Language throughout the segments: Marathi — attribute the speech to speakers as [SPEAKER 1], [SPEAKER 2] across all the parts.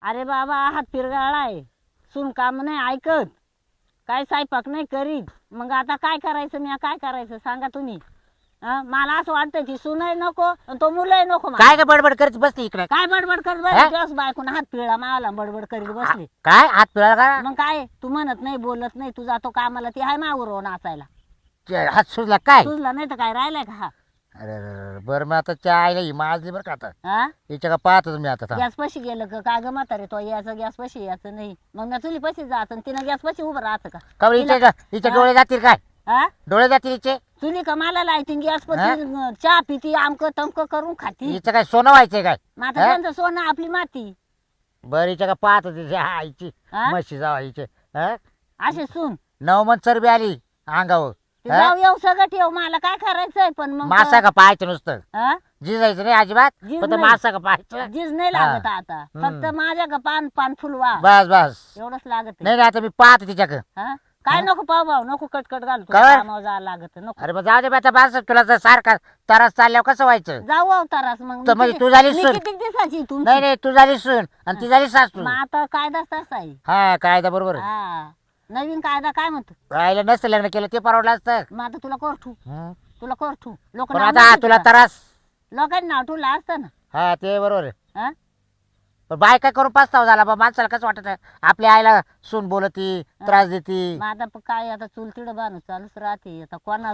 [SPEAKER 1] अरे बाबा हात पिरगाळाय, सून काम नाही ऐकत, काय स्वयंपाक नाही करीत, मग आता काय करायचं, मी काय करायचं सांगा तुम्ही. मला असं वाटतं की सूनही नको आणि तो मुलंही नको.
[SPEAKER 2] काय काय बडबड करत बसली इकडे?
[SPEAKER 1] काय बडबड करत बसली बायकोन हात पिळला मावला बडबड करीत बसली.
[SPEAKER 2] काय हात पिळाला का?
[SPEAKER 1] मग काय तू म्हणत नाही बोलत नाही, तू जातो कामाला, ती आहे मावर नाचायला.
[SPEAKER 2] हात सुजला काय?
[SPEAKER 1] सुजला नाही तर काय राहिलाय का हा?
[SPEAKER 2] अरे बरं मग आता चहा आईला ही माजली बरं का आता.
[SPEAKER 1] हा
[SPEAKER 2] हिच्या का पाहतो तुम्ही आता.
[SPEAKER 1] गॅस पशी गेलं का काय ग म्हातारे, तो याचं गॅस पशी याचं नाही, मग मी चुली पशी जात तिनं गॅस पशी उभं राहतं का?
[SPEAKER 2] का बरं हिचे डोळे जातील काय?
[SPEAKER 1] हा
[SPEAKER 2] डोळे जातील हिचे?
[SPEAKER 1] चुली का मला लायती गॅस पशी चहा पिती आमक तमक करून खाती.
[SPEAKER 2] हिचं काय सोनं व्हायचंय काय?
[SPEAKER 1] माता त्यांचं सोनं आपली माती.
[SPEAKER 2] बरं हिच्या का पाहतो तिच्या आईची
[SPEAKER 1] हा?
[SPEAKER 2] म्हशी जावा हिचे.
[SPEAKER 1] असे सून
[SPEAKER 2] 9 मन चरबी आली अंगावर.
[SPEAKER 1] ते जाऊ येऊ सगळं ठेव, मला काय करायचंय पण मग
[SPEAKER 2] मासा का पाहायचं नुसतं,
[SPEAKER 1] हा?
[SPEAKER 2] जिजायचं नाही अजिबात.
[SPEAKER 1] जीज
[SPEAKER 2] फक्त
[SPEAKER 1] नाही.
[SPEAKER 2] मासा का पाहायचं.
[SPEAKER 1] जीज नाही लागत आता, फक्त माझ्या का पान पान फुलवा
[SPEAKER 2] बस बस.
[SPEAKER 1] एवढंच लागत
[SPEAKER 2] नाही नाही आता मी पाहतो तिच्याकडे.
[SPEAKER 1] हा काय नको पाव भाऊ नको कटकट घालतो,
[SPEAKER 2] काय?
[SPEAKER 1] कामावर जायला लागत नको.
[SPEAKER 2] अरे मग जाऊ दे आता बस. तुला जर सारखा त्रास चालल्यावर कसं व्हायचं?
[SPEAKER 1] जाऊ अवतारास मग
[SPEAKER 2] तर म्हणजे तू झाली सून.
[SPEAKER 1] किती दिवसाची तुमची?
[SPEAKER 2] नाही नाही तू झाली सून आणि ती झाली सासू.
[SPEAKER 1] मग आता कायदा तसा आहे.
[SPEAKER 2] हा कायदा बरोबर आहे.
[SPEAKER 1] हा नवीन कायदा काय म्हणतो?
[SPEAKER 2] राहिलं नसतं लग्न केलं ते परवडलं असतं.
[SPEAKER 1] मग आता तुला कोरठू
[SPEAKER 2] हं.
[SPEAKER 1] तुला कोरठू लोक
[SPEAKER 2] पण आता तुला त्रास.
[SPEAKER 1] लोकांनी नाव ठेवलं असतं ना.
[SPEAKER 2] हा ते बरोबर आहे.
[SPEAKER 1] हा?
[SPEAKER 2] पण बाय काय करून पस्ताव झाला बा माणसाला कसं वाटत आपल्या आईला सून बोलती त्रास देती.
[SPEAKER 1] मग आता काय आता चुलतीड बाणूस चालूच राहते, आता कोणा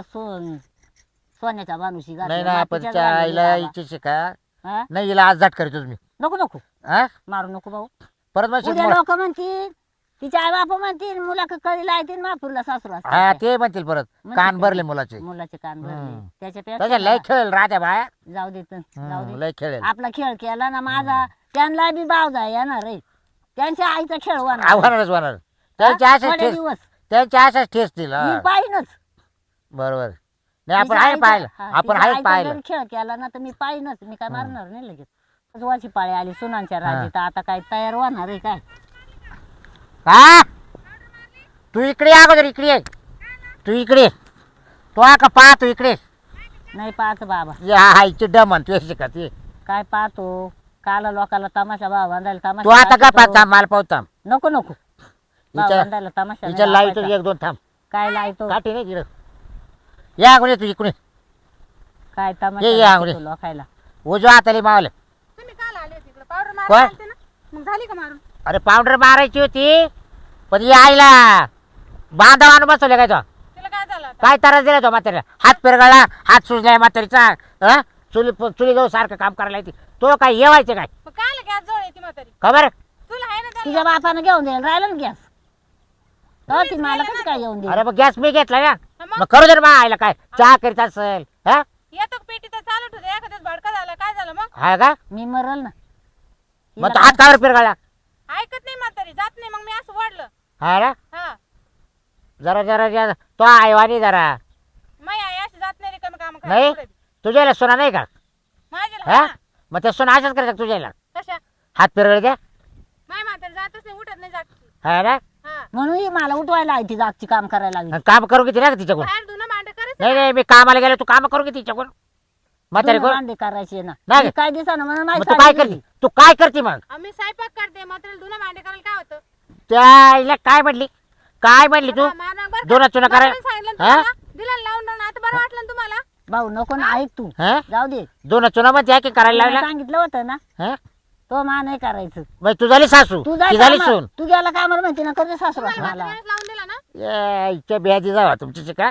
[SPEAKER 1] सोन्याच्या बाणूशी
[SPEAKER 2] नाही ना आपण त्या आईला इच्छेशी का
[SPEAKER 1] हा?
[SPEAKER 2] नाही हिला आज झट करतो तुम्ही.
[SPEAKER 1] नको नको
[SPEAKER 2] हा
[SPEAKER 1] मारू नको भाऊ.
[SPEAKER 2] परत मग
[SPEAKER 1] उद्या लोक म्हणतील, तिच्या आई बाप म्हणतील मुला कधी लायतील मापूरला सासू
[SPEAKER 2] हा ते म्हणतील परत
[SPEAKER 1] म्हणतील
[SPEAKER 2] कान
[SPEAKER 1] का?
[SPEAKER 2] भरले मुलाचे.
[SPEAKER 1] मुलाचे कान भरले
[SPEAKER 2] हम्म. त्याच्या
[SPEAKER 1] त्याच्यापेक्षा
[SPEAKER 2] लय खेळ राहत्या बाया.
[SPEAKER 1] जाऊ दे तर, जाऊ दे.
[SPEAKER 2] लय खेळेल.
[SPEAKER 1] आपला खेळ केला ना माझा, त्यांना बी बाव जाय येणार रे, त्यांच्या आईचा खेळ होणार.
[SPEAKER 2] होणारच होणार. त्यांच्या
[SPEAKER 1] हा?
[SPEAKER 2] आशाच
[SPEAKER 1] थोडे
[SPEAKER 2] ठेस
[SPEAKER 1] दिवस
[SPEAKER 2] त्यांच्या आशाच ठेसतील.
[SPEAKER 1] मी पाहिनच.
[SPEAKER 2] बरोबर. नाही आपण
[SPEAKER 1] तिच्या
[SPEAKER 2] आहे
[SPEAKER 1] आईचा-
[SPEAKER 2] पाहिलं
[SPEAKER 1] हा,
[SPEAKER 2] आपण
[SPEAKER 1] तिच्या
[SPEAKER 2] आहे
[SPEAKER 1] आईचा
[SPEAKER 2] पाहिलं.
[SPEAKER 1] जरी खेळ केला ना तर मी पाहिनच, मी काय मारणार नाही लगेच. वाची पाळी आली सुनांच्या राजी, तर आता काय तयार होणार आहे काय?
[SPEAKER 2] हा तू इकडे ये अगोदर इकडे ये. तू इकडे ये. तू का पाह तू इकडे
[SPEAKER 1] नाही पाहत बाबा.
[SPEAKER 2] ये. हा हायची डमन तू शिकत ये.
[SPEAKER 1] काय पाहतो काला लोकाला तमाशा भाव बांधायला
[SPEAKER 2] तू
[SPEAKER 1] तमाशा
[SPEAKER 2] आता का
[SPEAKER 1] लावतो.
[SPEAKER 2] पाहता मला पाहता.
[SPEAKER 1] नको नको भाव
[SPEAKER 2] हिच्या
[SPEAKER 1] बांधायला तमाशा
[SPEAKER 2] हिच्या
[SPEAKER 1] नाही
[SPEAKER 2] लाईट
[SPEAKER 1] लावायचा.
[SPEAKER 2] 1-2 थांब.
[SPEAKER 1] काय लायतो
[SPEAKER 2] काठी नाही तिकडं. या अगोदर तू इकडे
[SPEAKER 1] काय
[SPEAKER 2] ये,
[SPEAKER 1] तमाशा
[SPEAKER 2] ये,
[SPEAKER 1] लावतो
[SPEAKER 2] आवडे.
[SPEAKER 1] लोकायला.
[SPEAKER 2] उजवा हाताली मावलं.
[SPEAKER 3] तुम्ही काल आले तिकडे पावडर
[SPEAKER 2] काय?
[SPEAKER 3] मारायला आलते ना, मग झाली का मारून?
[SPEAKER 2] अरे पावडर मारायची होती पण ये आईला बांधा आणून बसवले काय तो.
[SPEAKER 3] तिला काय झालं आता?
[SPEAKER 2] काय त्रास दिला तो म्हाताऱ्या. हात पिरगाळा हात सुजलाय म्हातारीचा. चुली जाऊ सारखं काम करायला येते तो काय येवायचे काय
[SPEAKER 3] मग काय गॅस जवळ येते म्हातारी?
[SPEAKER 2] खबर.
[SPEAKER 3] तुला आहे ना त्याला?
[SPEAKER 1] तुझ्या बापानं घेऊन द्यायला राहिलं ना गॅस, तर ती मला कसं काय येऊन दे?
[SPEAKER 2] अरे मग गॅस मी घेतला ना.
[SPEAKER 3] मग?
[SPEAKER 2] मग करू दे मा आईला काय चहा करीत असेल. हा
[SPEAKER 3] येतो का पेटी तर चालू ठेवते, एखाद्याच भडका झाला काय झालं मग?
[SPEAKER 2] हा का
[SPEAKER 1] मी मरल ना.
[SPEAKER 2] मग तो हात कावर पिरगाळा.
[SPEAKER 3] ऐकत नाही म्हातारी, जात नाही, मग मी असं वाढलं.
[SPEAKER 2] हा ना
[SPEAKER 3] हा
[SPEAKER 2] जरा जरा जरा तो आईवानी जरा
[SPEAKER 3] माई आई अशी जात नाही रिकामी काम
[SPEAKER 2] नाही
[SPEAKER 3] करायला.
[SPEAKER 2] तुझ्याला सोना नाही का?
[SPEAKER 3] माझ्याला
[SPEAKER 2] हा
[SPEAKER 3] हा.
[SPEAKER 2] मग ते सोना अशाच करायचं तुझ्याला.
[SPEAKER 3] कशा?
[SPEAKER 2] हात पिरगळ द्या.
[SPEAKER 3] माय म्हातारी जातच नाही, उठत नाही, जात.
[SPEAKER 2] हा ना
[SPEAKER 3] हा
[SPEAKER 1] म्हणून ही मला उठवायला आहे ती जागची काम करायला लागली.
[SPEAKER 2] आणि काम करू किती ना तिच्याकडून.
[SPEAKER 3] बाहेर धुणं भांडे करायचं
[SPEAKER 2] नाही
[SPEAKER 3] ना.
[SPEAKER 2] नाही मी कामाला गेलो तू काम करू किती तिच्याकडून म्हातारी
[SPEAKER 1] दोन
[SPEAKER 2] कोण.
[SPEAKER 1] भांडे करायचे ना.
[SPEAKER 2] नाही.
[SPEAKER 1] मी काय दिसा ना म्हणून
[SPEAKER 2] मग तू काय करते तू काय करते मग.
[SPEAKER 3] आम्ही स्वयंपाक करते, म्हातारीला धुणं भांडे करायला काय होतं?
[SPEAKER 2] त्या आईला काय म्हणली काय म्हणली तू.
[SPEAKER 3] हा, मारणार बरं का?
[SPEAKER 2] दोन चुना करायला.
[SPEAKER 3] म्हातारीला सांगितलं ना
[SPEAKER 2] हा?
[SPEAKER 3] तुम्हाला? दिलं ना लावून आता बरं वाटलं ना तुम्हाला?
[SPEAKER 1] भाऊ नको ना ऐक तू,
[SPEAKER 2] हा
[SPEAKER 1] जाऊ दे.
[SPEAKER 2] दोन चुना मध्ये आहे की करायला
[SPEAKER 1] तुला
[SPEAKER 2] लागला.
[SPEAKER 1] सांगितलं होतं ना
[SPEAKER 2] हा
[SPEAKER 1] तो मा नाही करायचं.
[SPEAKER 2] मग तू झाली सासू
[SPEAKER 1] तू
[SPEAKER 2] ती झाली
[SPEAKER 1] कामाला-
[SPEAKER 2] सून.
[SPEAKER 1] तू गेला कामाला म्हणते ना करते सासू
[SPEAKER 3] तुम्हाला
[SPEAKER 1] मला.
[SPEAKER 3] म्हातारीलाच लावून दिला ना?
[SPEAKER 2] इच्छा बियाची जावा तुमची का.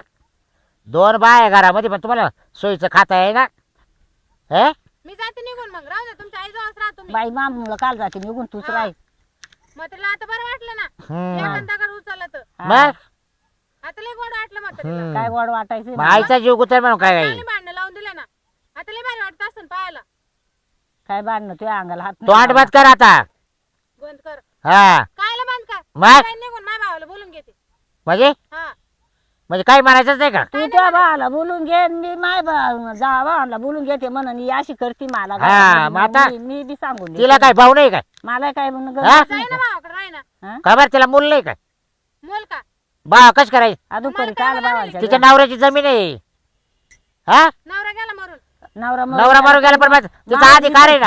[SPEAKER 2] 2 बाय घरामध्ये पण तुम्हाला सोयीचं खाता आहे ना. हे
[SPEAKER 3] मी जाते निघून, मग राहू दे, तुमच्या आईजवळच राहा तुम्ही.
[SPEAKER 1] बाई मामुला काल जाते निघून तूच राह.
[SPEAKER 3] म्हातारीला आता बरं वाटलं ना?
[SPEAKER 2] हम्म.
[SPEAKER 3] एखादा उचललं तर
[SPEAKER 2] मग
[SPEAKER 3] आता लय गोड वाटलं म्हातारीला.
[SPEAKER 2] हम्म.
[SPEAKER 1] काय गोड वाटायचं
[SPEAKER 2] मग आईचा जीव गुतर म्हणून काय
[SPEAKER 3] चांगली भांडणं लावून दिले ना, आता लय भारी वाटत असं पाहायला.
[SPEAKER 1] काय भांडणं तुझ्या अंगाला हात
[SPEAKER 2] तो
[SPEAKER 1] नाही
[SPEAKER 2] आटबात कर आता.
[SPEAKER 3] बंद कर.
[SPEAKER 2] हा
[SPEAKER 3] कायला बंद कर?
[SPEAKER 2] मग?
[SPEAKER 3] काय निघून माझ्या भावाला बोलून घेते.
[SPEAKER 2] म्हणजे
[SPEAKER 3] हा
[SPEAKER 2] म्हणजे काही म्हणायचंच नाही का.
[SPEAKER 1] तू त्या भावाला बोलून घे मी माय भावाला बोलून घेते म्हणून ही अशी करते मला.
[SPEAKER 2] हा, मग आता
[SPEAKER 1] मी बी सांगून देते.
[SPEAKER 2] तिला काय भाऊ नाही काय.
[SPEAKER 1] मला काय म्हणून
[SPEAKER 2] हा?
[SPEAKER 3] जाई ना भावाकडे, राही ना.
[SPEAKER 2] खबर तिला मूल नाही काय.
[SPEAKER 3] मोल का?
[SPEAKER 2] बा कश करायची
[SPEAKER 1] अजून
[SPEAKER 3] तुम्हाला
[SPEAKER 1] करी काय
[SPEAKER 3] काय
[SPEAKER 1] भावाच्या
[SPEAKER 2] तिच्या नवऱ्याची जमीन आहे. हा
[SPEAKER 3] नवरा गेला मरून.
[SPEAKER 1] नवरा
[SPEAKER 2] नवरा मारून गेला पण मग तिचा अधिकार आहे ना.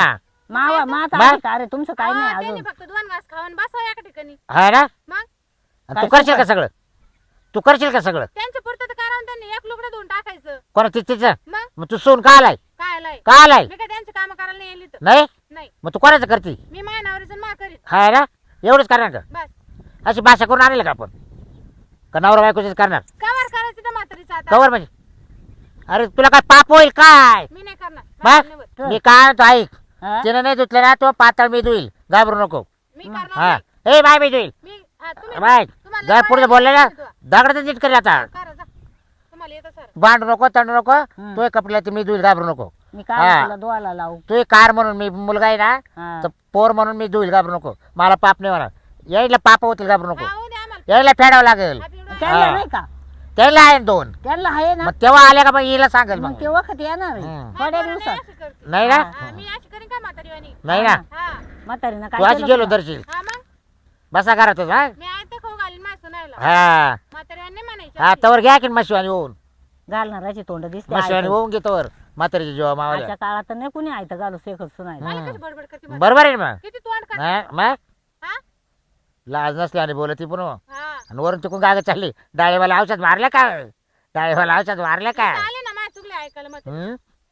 [SPEAKER 1] मावा माझा
[SPEAKER 2] मा-
[SPEAKER 1] अधिकार आहे, तुमचं काय नाही
[SPEAKER 3] त्यांनी
[SPEAKER 1] अजून.
[SPEAKER 3] फक्त 2 घास खाऊन बसावं एका ठिकाणी.
[SPEAKER 2] हा ना
[SPEAKER 3] मग
[SPEAKER 2] आणि तू करशील का सगळं तू करशील का सगळं
[SPEAKER 3] त्यांच्या पुरतं तर करावं त्यांनी एक लुगडं धुवून टाकायचं.
[SPEAKER 2] कोणा तिचं
[SPEAKER 3] मग
[SPEAKER 2] मग तू सोन का आलाय
[SPEAKER 3] काय आलाय
[SPEAKER 2] का आलाय
[SPEAKER 3] मी काय त्यांची कामं करायला नाही येईल इथं.
[SPEAKER 2] नाही
[SPEAKER 3] नाही
[SPEAKER 2] मग तू कोणाचं करते
[SPEAKER 3] मी माझ्या नवऱ्याचं मा करीत
[SPEAKER 2] हा ना एवढंच करणार का
[SPEAKER 3] बस.
[SPEAKER 2] अशी भाषा करून आणेल का आपण का नवरा बायकोच करणार
[SPEAKER 3] कवर करायचं त्या म्हातारीचं आता.
[SPEAKER 2] कवर म्हणजे अरे तुला काय पाप होईल काय
[SPEAKER 3] मी नाही करणार.
[SPEAKER 2] बस.
[SPEAKER 3] माझं नाही होत.
[SPEAKER 2] मी काय म्हणतो ऐक
[SPEAKER 1] हा?
[SPEAKER 2] तिने नाही धुतलं ना तो पातळ मी धुईल घाबरू नको
[SPEAKER 3] मी करणार
[SPEAKER 2] हा
[SPEAKER 3] नाही.
[SPEAKER 2] ए बाय मी धुईल
[SPEAKER 3] मी तुम्ही
[SPEAKER 2] बाय
[SPEAKER 3] तुम्हाला
[SPEAKER 2] जर पुढे बोलले ना
[SPEAKER 3] करा
[SPEAKER 2] दगडाचं नीट करेल आता
[SPEAKER 3] जा. तुम्हाला येतं सर.
[SPEAKER 2] भांडू नको तंडू नको
[SPEAKER 1] हम्म.
[SPEAKER 2] तो कपड्याला ते मी धुईल घाबरू नको
[SPEAKER 1] मी
[SPEAKER 2] हा.
[SPEAKER 1] काय तुला धुवायला लावू.
[SPEAKER 2] तू कार म्हणून मी मुलगा आहे ना
[SPEAKER 1] हा.
[SPEAKER 2] तर पोर म्हणून मी धुईल घाबरू नको मला पाप नाही होणार यायला पाप होतील घाबरू नको
[SPEAKER 3] हा, होऊ द्या आम्हाला.
[SPEAKER 2] यायला फेडावं लागेल
[SPEAKER 3] आपली डोळा-
[SPEAKER 1] त्यांना
[SPEAKER 2] हा.
[SPEAKER 1] नाही का
[SPEAKER 2] त्याला आहे 2
[SPEAKER 1] त्यांना आहे ना
[SPEAKER 2] मग तेव्हा आल्या का मग हिला सांगेल
[SPEAKER 1] मग
[SPEAKER 2] मग
[SPEAKER 1] ते वखत येणार आहे.
[SPEAKER 2] हम्म.
[SPEAKER 1] थोड्या
[SPEAKER 3] नाही,
[SPEAKER 1] दिवसात
[SPEAKER 3] अशी करते.
[SPEAKER 2] नाही ना
[SPEAKER 3] हा, मी अशी करीन का म्हातारीवाणी.
[SPEAKER 2] नाही ना
[SPEAKER 3] हा
[SPEAKER 1] म्हातारीनं
[SPEAKER 2] तू
[SPEAKER 1] काय
[SPEAKER 2] आज
[SPEAKER 1] केलं
[SPEAKER 2] गेलो
[SPEAKER 1] तुला?
[SPEAKER 2] दर्शील
[SPEAKER 3] हा मग
[SPEAKER 2] बसा घरातच हा
[SPEAKER 3] मी आहे तर खाऊ घालीन माझ्या सुनायला.
[SPEAKER 2] हा
[SPEAKER 3] म्हातारीवाणी नाही म्हणायची
[SPEAKER 2] हा
[SPEAKER 3] अशी.
[SPEAKER 2] तवर घ्या की मशिवानी होऊन
[SPEAKER 1] घालणाराची तोंड दिसते
[SPEAKER 2] मशिवानी
[SPEAKER 1] आयतं.
[SPEAKER 2] होऊन घे तवर म्हातारीची जेव्हा मावाल्या
[SPEAKER 1] आजच्या काळात तर नाही कुणी आयतं घालू शेकत सुनायला.
[SPEAKER 3] मला कशी बडबड करते म्हातारी.
[SPEAKER 2] बरोबर आहे ना
[SPEAKER 3] किती तोंड करते.
[SPEAKER 2] मग मग
[SPEAKER 3] हा
[SPEAKER 2] लाज नसली आणि बोलती पण हो.
[SPEAKER 3] हा
[SPEAKER 2] आणि वरून तिकून गागत चालली डाळीवाला औषध मारलं का डाळीवाला औषध मारलं का
[SPEAKER 3] इथं आले ना माझ्या चुकले ऐकायला मग
[SPEAKER 2] हम्म?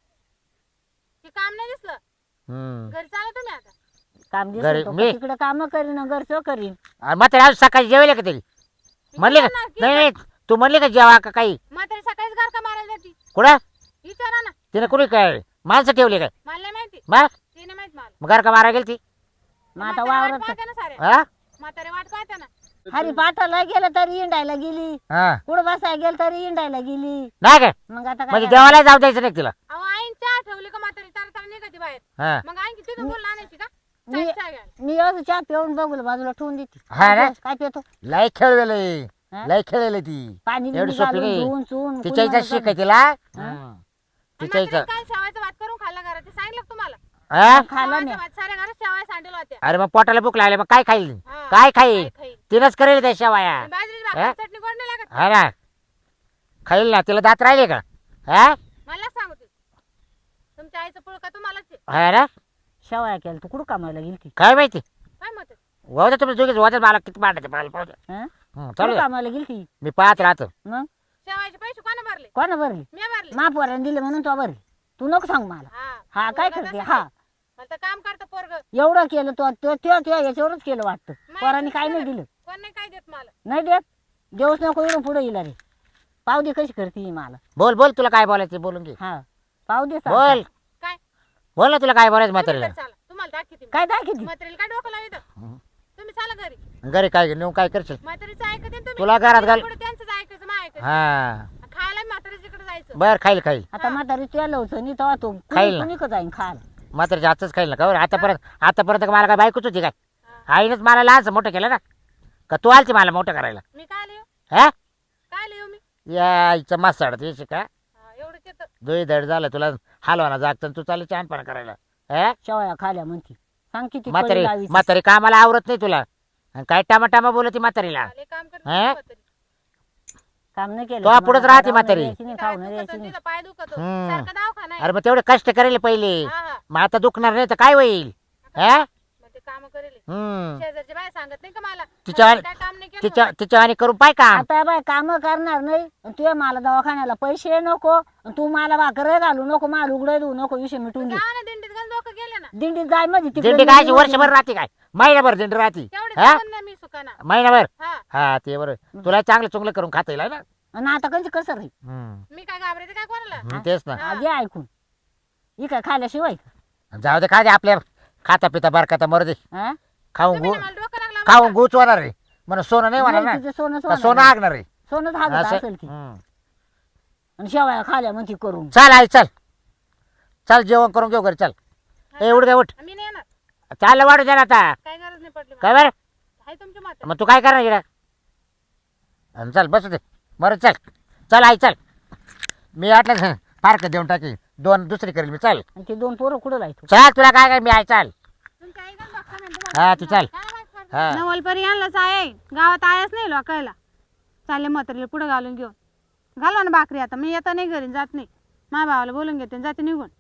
[SPEAKER 3] ते काम नाही दिसलं.
[SPEAKER 2] हम्म.
[SPEAKER 3] घरी चाला तुम्ही आता.
[SPEAKER 1] काम
[SPEAKER 2] घरी
[SPEAKER 1] दिसतो
[SPEAKER 2] मी-
[SPEAKER 1] तिकडे काम करीन घरचं करीन.
[SPEAKER 2] आणि म्हातारी आज सकाळी जेवले का तरी म्हणले का
[SPEAKER 3] विचारा ना,
[SPEAKER 2] नाही नाही तू म्हणले का जेवा का काही
[SPEAKER 3] म्हातारी सकाळीच गार का मारायला जाती.
[SPEAKER 2] कुठं
[SPEAKER 3] विचारा ना.
[SPEAKER 2] तिने कुणी काय माणसं ठेवले काय
[SPEAKER 3] मला नाही माहिती.
[SPEAKER 2] मग
[SPEAKER 3] ते नाही माहित मला.
[SPEAKER 2] मग घर का मारा गेली ती
[SPEAKER 1] मग आता
[SPEAKER 3] म्हातारी वाट
[SPEAKER 1] वावरात
[SPEAKER 3] पाहते ना सारे.
[SPEAKER 2] हा
[SPEAKER 3] म्हातारी वाट पाहते ना.
[SPEAKER 1] हरी पाठाला गेलं तरी इंडायला गेली.
[SPEAKER 2] हा
[SPEAKER 1] कुठं बसायला गेलं तरी इंडायला गेली.
[SPEAKER 2] नाही काय
[SPEAKER 1] मग आता
[SPEAKER 2] म्हणजे
[SPEAKER 1] काय
[SPEAKER 2] देवाला जाऊ द्यायचं नाही तिला
[SPEAKER 3] अहो आईन चहा ठेवली का म्हातारी तार तार निघते बाहेर.
[SPEAKER 2] हा
[SPEAKER 3] मग आई किती बोलून आणायची का.
[SPEAKER 1] मी-
[SPEAKER 3] चहा घ्यायला.
[SPEAKER 1] मी असं चहा पिऊन बघू बाजूला ठेवून देते.
[SPEAKER 2] हा ना?
[SPEAKER 1] काय पितो
[SPEAKER 2] लय खेळलेले
[SPEAKER 1] हा?
[SPEAKER 2] लय खेळलेले ती
[SPEAKER 1] पाणी
[SPEAKER 2] एवढी
[SPEAKER 1] बिणी
[SPEAKER 2] सोपी
[SPEAKER 1] घालून
[SPEAKER 2] नाही
[SPEAKER 1] धुवून चुवून
[SPEAKER 2] तिच्या
[SPEAKER 1] कुणी
[SPEAKER 2] इथं
[SPEAKER 1] मला
[SPEAKER 2] शिकाय तिला
[SPEAKER 3] आणि
[SPEAKER 2] तिच्या
[SPEAKER 3] म्हातारीने
[SPEAKER 2] इथं
[SPEAKER 3] काय शेवायचं भात करून खाल्ला घरात ते सांगितलं का तुम्हाला.
[SPEAKER 2] हा?
[SPEAKER 1] खाल्ला
[SPEAKER 3] शेवायचं
[SPEAKER 1] नाही.
[SPEAKER 3] भात साऱ्या घरात शेवाय सांडेल होत्या.
[SPEAKER 2] अरे मग पोटाला भूक लागली मग काय खाईल
[SPEAKER 3] हा.
[SPEAKER 2] काय खाईल
[SPEAKER 3] खाईल.
[SPEAKER 2] तिनंच करेल त्या शेवाया
[SPEAKER 3] आणि बाजरीची
[SPEAKER 2] हा?
[SPEAKER 3] भाकरी चटणी गोड नाही लागत.
[SPEAKER 2] हा ना खाईल ना तिला दात राहिले का हा
[SPEAKER 3] मला सांगू तू. तुमच्या आईचं पुळ का तुम्हालाच आहे.
[SPEAKER 2] हा ना
[SPEAKER 1] शेवाया केलं तू कुठं कामाला गेली ती?
[SPEAKER 2] काय माहिती
[SPEAKER 3] काय मत आहे?
[SPEAKER 2] वाहू तुम्ही दोघीच वाजत मला किती पाहते मला पाहू द्या.
[SPEAKER 1] हं?
[SPEAKER 2] चालू
[SPEAKER 1] कुठं
[SPEAKER 2] द्या.
[SPEAKER 1] कामाला गेली ती?
[SPEAKER 2] मी पाहत राहतो
[SPEAKER 1] मग
[SPEAKER 3] शेवायचे पैसे कोणा भरले.
[SPEAKER 1] कोणा भरली?
[SPEAKER 3] मी भरले.
[SPEAKER 1] महापौराने दिले म्हणून तो भरली. तू नको सांग मला. हा काय
[SPEAKER 3] पोरगं
[SPEAKER 1] करते
[SPEAKER 3] तसंच
[SPEAKER 1] हा
[SPEAKER 3] आहे. मला तर काम करतं पोरग.
[SPEAKER 1] एवढं केलं तो याच्यावरच केलं वाटतं. पोरांनी काय नाही दिलं.
[SPEAKER 3] कोण नाही काय देत मला.
[SPEAKER 1] नाही देत देऊच नको इकडून पुढे येईल रे. पाव दे कशी करते ही मला.
[SPEAKER 2] बोल बोल तुला काय बोलायचं बोलून घे
[SPEAKER 1] हा पाव दे
[SPEAKER 2] बोल
[SPEAKER 1] सांग.
[SPEAKER 3] काय
[SPEAKER 2] बोल ना तुला काय बोलायचं
[SPEAKER 3] तुम्ही
[SPEAKER 2] म्हातारीला
[SPEAKER 3] घरी चाला. तुम्हाला दाखवते मी.
[SPEAKER 1] काय दाखवते?
[SPEAKER 3] म्हातारीला काय डोकं लावित. तुम्ही चाला घरी.
[SPEAKER 2] घरी काय नेऊन काय करशील
[SPEAKER 3] म्हातारीचं ऐकते ना तुम्ही.
[SPEAKER 2] तुला घरात घाल
[SPEAKER 3] पुढे त्यांचंच ऐकायचं मग ऐकायचं.
[SPEAKER 2] हा
[SPEAKER 3] खायला म्हातारीच्याकडे जायचं.
[SPEAKER 2] बर खाईल खाईल
[SPEAKER 1] आता म्हातारी तुला होतं नाही तेव्हा तो
[SPEAKER 2] खाईल ना.
[SPEAKER 1] कुणी का जाईन खायला.
[SPEAKER 2] म्हातारीच्या हातच खाईल ना का बरं आतापर्यंत मला काय बायकोच होती काय आईनंच मला लहानच मोठं केलं ना का तू आलती मला मोठं करायला
[SPEAKER 3] मी काय लिहू
[SPEAKER 2] हा
[SPEAKER 3] काय लिहू मी.
[SPEAKER 2] या आईचं मस्त साडत येशी का
[SPEAKER 3] एवढंच येतं.
[SPEAKER 2] दोही धड झालं तुला हलवाना जागतं तू चालू छानपणा करायला हा
[SPEAKER 1] शेवया खाल्या म्हणती. सांग किती
[SPEAKER 2] म्हातारी
[SPEAKER 1] कळी लावीची.
[SPEAKER 2] म्हातारी कामाला आवरत नाही तुला आणि काय टामा बोलती म्हातारीला
[SPEAKER 3] लय काम करते
[SPEAKER 2] हा?
[SPEAKER 3] म्हातारी.
[SPEAKER 1] काम नाही केलं.
[SPEAKER 2] तो
[SPEAKER 1] तुम्हाला
[SPEAKER 2] पुढंच राहते
[SPEAKER 1] राहू
[SPEAKER 2] म्हातारी.
[SPEAKER 1] द्यायची नाही,
[SPEAKER 3] तिथं
[SPEAKER 1] खाऊ नाही
[SPEAKER 3] दुखतं,
[SPEAKER 1] द्यायची नाही.
[SPEAKER 3] तिथं पाय दुखतो.
[SPEAKER 2] हम्म.
[SPEAKER 3] सारखं दवाखाना आहे.
[SPEAKER 2] अरे मग तेवढे कष्ट करेल पहिले
[SPEAKER 3] हा, हा.
[SPEAKER 2] मग आता दुखणार नाही तर काय होईल हा
[SPEAKER 3] मग ते काम करेल.
[SPEAKER 2] हम्म
[SPEAKER 3] शेजारची बाय सांगत नाही का मला.
[SPEAKER 2] तिच्या
[SPEAKER 3] काय काम नाही केलं.
[SPEAKER 2] तिच्या आणि करून पाय काम
[SPEAKER 1] आता बाय काम करणार नाही आणि तू मला दवाखान्याला पैसे नको आणि तू मला भाकर घालू नको मला उघडं देऊ नको विषय मिटून घे.
[SPEAKER 3] जा ना दिंडीत गण लोक गेले ना.
[SPEAKER 1] दिंडीत जाय मध्ये
[SPEAKER 2] दिंडी काय वर्षभर राहते काय महिनाभर दिंडी राहते
[SPEAKER 3] तेवढे
[SPEAKER 2] हा
[SPEAKER 3] जगून नाही मी सुखाना.
[SPEAKER 2] महिनाभर
[SPEAKER 3] हा
[SPEAKER 2] हा ते बरोबर तुला चांगलं चुंगलं करून खाता येईल ना
[SPEAKER 1] आणि आता कंची कसं राहील.
[SPEAKER 3] मी काय घाबरायचं काय कोणाला.
[SPEAKER 2] तेच ना
[SPEAKER 3] हा.
[SPEAKER 1] आधी ऐकून ही काय खाल्याशिवाय
[SPEAKER 2] जाऊ दे काय दे आपल्या खाता पिता बरकाता मरू दे
[SPEAKER 1] हा?
[SPEAKER 2] खाऊन
[SPEAKER 3] तुम्ही
[SPEAKER 2] गु
[SPEAKER 3] ना मला डोकं लागलं
[SPEAKER 2] खाऊन
[SPEAKER 3] म्हणता.
[SPEAKER 2] गुच होणार रे म्हणून सोनं नाही होणार
[SPEAKER 1] नाही,
[SPEAKER 2] ना
[SPEAKER 1] तिचं सोनं
[SPEAKER 2] का सोनं
[SPEAKER 1] सोनं
[SPEAKER 2] आगणार रे
[SPEAKER 1] सोनंच हागत
[SPEAKER 2] असं
[SPEAKER 1] असेल ती.
[SPEAKER 2] हम्म.
[SPEAKER 1] आणि शेवया खाल्या म्हणती करून.
[SPEAKER 2] चल आई चल चल जेवण करून घेऊ घरी चल एवढं काय उठ
[SPEAKER 3] मी नाही येणार.
[SPEAKER 2] चाललं वाढू द्या ना आता
[SPEAKER 3] काय गरज नाही पडली मला.
[SPEAKER 2] काय बरं
[SPEAKER 3] आहे तुमच्या माता.
[SPEAKER 2] मग तू काय करणार इकडं चल बसू दे बरं चल चल आई चल मी वाटलं फारकत देऊन टाकी दोन दुसरी करेल मी चल
[SPEAKER 1] आणि ते दोन पोरं कुठं लायतो.
[SPEAKER 2] चल तुला काय काय मी आई चाल
[SPEAKER 3] तुमच्या आई गण बघता नाही तुम्हाला.
[SPEAKER 2] हा तू चल
[SPEAKER 3] काय माहित पडलं.
[SPEAKER 2] हा
[SPEAKER 3] नवलपरी आणलाच आहे गावात आयच नाही लोकायला. चालले म्हातारीला पुढे घालून घेऊन घालवा ना भाकरी. आता मी येता नाही घरी जात नाही. माझ्या भावाला बोलून घेते आणि जाते निघून.